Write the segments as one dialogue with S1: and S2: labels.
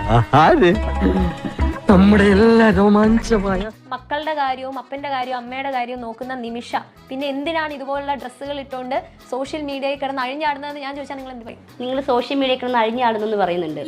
S1: നമ്മുടെ എല്ലാ രോമാഞ്ചമായ
S2: മക്കളുടെ കാര്യവും അപ്പന്റെ കാര്യവും അമ്മയുടെ കാര്യവും നോക്കുന്ന നിമിഷ പിന്നെ എന്തിനാണ് ഇതുപോലുള്ള ഡ്രസ്സുകൾ ഇട്ടുകൊണ്ട് സോഷ്യൽ മീഡിയയിൽ കിടന്ന് അഴിഞ്ഞാടുന്നതെന്ന് ഞാൻ ചോദിച്ചാൽ നിങ്ങൾ എന്ത് പറയും?
S3: നിങ്ങൾ സോഷ്യൽ മീഡിയയിൽ കിടന്ന് അഴിഞ്ഞാടുന്നെന്ന് പറയുന്നുണ്ട്.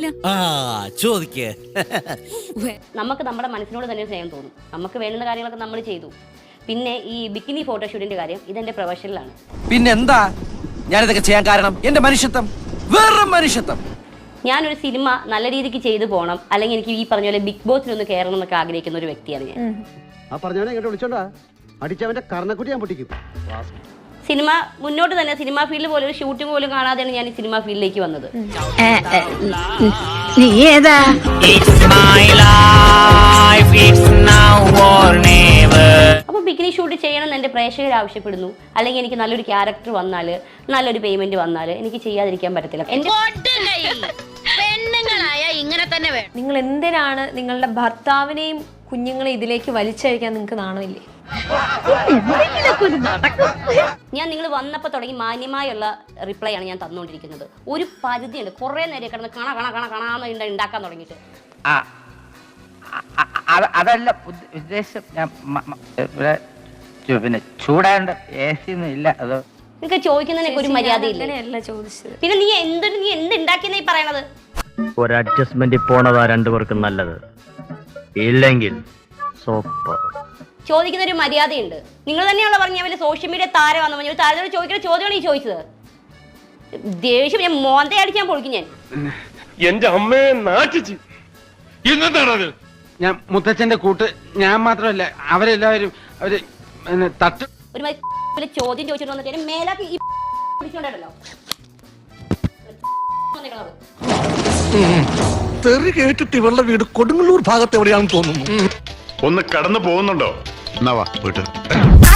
S3: നമുക്ക് നമ്മുടെ മനസ്സിനോട് തന്നെ സ്നേഹം തോന്നും. നമുക്ക് വേണ്ടുന്ന കാര്യങ്ങളൊക്കെ നമ്മൾ ചെയ്തു. പിന്നെ ഈ ബിക്കിനി ഫോട്ടോഷൂട്ടിന്റെ കാര്യം ഇതെന്റെ പ്രൊഫഷനിലാണ്.
S4: പിന്നെന്താ ഞാനിതൊക്കെ ചെയ്യാൻ കാരണം? എന്റെ മനുഷ്യത്വം, വേറെ മനുഷ്യത്വം.
S3: ഞാനൊരു സിനിമ നല്ല രീതിക്ക് ചെയ്തു പോകണം, അല്ലെങ്കിൽ എനിക്ക് ഈ പറഞ്ഞ പോലെ ബിഗ് ബോസിലൊന്ന് കയറണം എന്നൊക്കെ ആഗ്രഹിക്കുന്ന ഒരു വ്യക്തിയാണ് ഞാൻ.
S5: ആ പറഞ്ഞവനെ ഇങ്ങോട്ട് വിളിച്ചോണ്ടാ അടിച്ചവന്റെ കർണക്കുട്ടി ഞാൻ പൊട്ടിക്കും.
S3: സിനിമ മുന്നോട്ട് തന്നെ സിനിമാ ഫീൽഡ് പോലെ ഒരു ഷൂട്ടിംഗ് പോലും കാണാതെയാണ് ഞാൻ ഈ സിനിമാ ഫീൽഡിലേക്ക് വന്നത്.
S6: നീ ഏതാ?
S3: അപ്പൊ ബിക്കിനി ഷൂട്ട് ചെയ്യണം എന്ന് എന്റെ പ്രേക്ഷകർ ആവശ്യപ്പെടുന്നു, അല്ലെങ്കിൽ എനിക്ക് നല്ലൊരു ക്യാരക്ടർ വന്നാൽ, നല്ലൊരു പേയ്മെന്റ് വന്നാൽ എനിക്ക് ചെയ്യാതിരിക്കാൻ പറ്റത്തില്ല.
S6: ഇങ്ങനെ തന്നെ വേണം.
S2: നിങ്ങൾ എന്തിനാണ് നിങ്ങളുടെ ഭർത്താവിനെയും കുഞ്ഞുങ്ങളെ ഇതിലേക്ക് വലിച്ചഴിക്കാൻ നിങ്ങൾക്ക് നാണമില്ലേ?
S3: ഞാൻ നിങ്ങൾ വന്നപ്പോൾ തുടങ്ങി മാന്യമായുള്ള റിപ്ലൈ ആണ് ഞാൻ തന്നുകൊണ്ടിരിക്കുന്നത്. ഒരു പരിധിയുണ്ട്. കുറെ നേരം കിടന്ന് കാണാന്ന് ഉണ്ടാക്കാൻ തുടങ്ങിയിട്ട്.
S7: അതല്ല ഉദ്ദേശം. ഞാൻ പിന്നെ ചൂടാണ്ട് എ സി ഒന്നും ഇല്ല. അത്
S3: നിങ്ങൾക്ക് ചോദിക്കുന്നതിനൊക്കെ ഒരു മര്യാദയില്ല.
S2: ചോദിച്ചത്
S3: പിന്നെ നീ എന്തുണ്ടാക്കിയെന്നാ ഈ പറയണത്?
S1: ഒരു അഡ്ജസ്റ്റ്മെന്റ് പോണതാ രണ്ടുപേർക്കും നല്ലത്. ഇല്ലെങ്കിൽ സൂപ്പർ.
S3: ചോദിക്കുന്ന ഒരു മര്യാദയുണ്ട്. നിങ്ങൾ തന്നെയാണല്ലോ പറഞ്ഞ വലിയ സോഷ്യൽ മീഡിയ താരമാണെന്ന് പറഞ്ഞു. താരത്തോട് ചോദിക്കുന്ന ചോദ്യമാണ് ഈ ചോദിച്ചത്. ദേഷ്യം ഞാൻ മോന്തയെ അടിക്കാൻ പൊളിക്കും ഞാൻ.
S8: എന്റെ അമ്മയെ നാട്ടിച്ച് ഇന്നെന്താണത്?
S7: ഞാൻ മുത്തച്ഛന്റെ കൂട്ട് ഞാൻ മാത്രമല്ല അവരെല്ലാവരും അവര് തട്ട്
S3: ഒരു ചോദ്യം ചോദിച്ചിട്ട് വന്നിട്ട് മേലാക്കി ഈ പിടിച്ചോണ്ടല്ലോ.
S8: തെറി കേട്ടിട്ട് ഇവളുടെ വീട് കൊടുങ്ങല്ലൂർ ഭാഗത്ത് എവിടെയാണെന്ന് തോന്നുന്നു.
S9: ഒന്ന് കടന്നു പോകുന്നുണ്ടോ? എന്നാ വാ വീട്ടിൽ.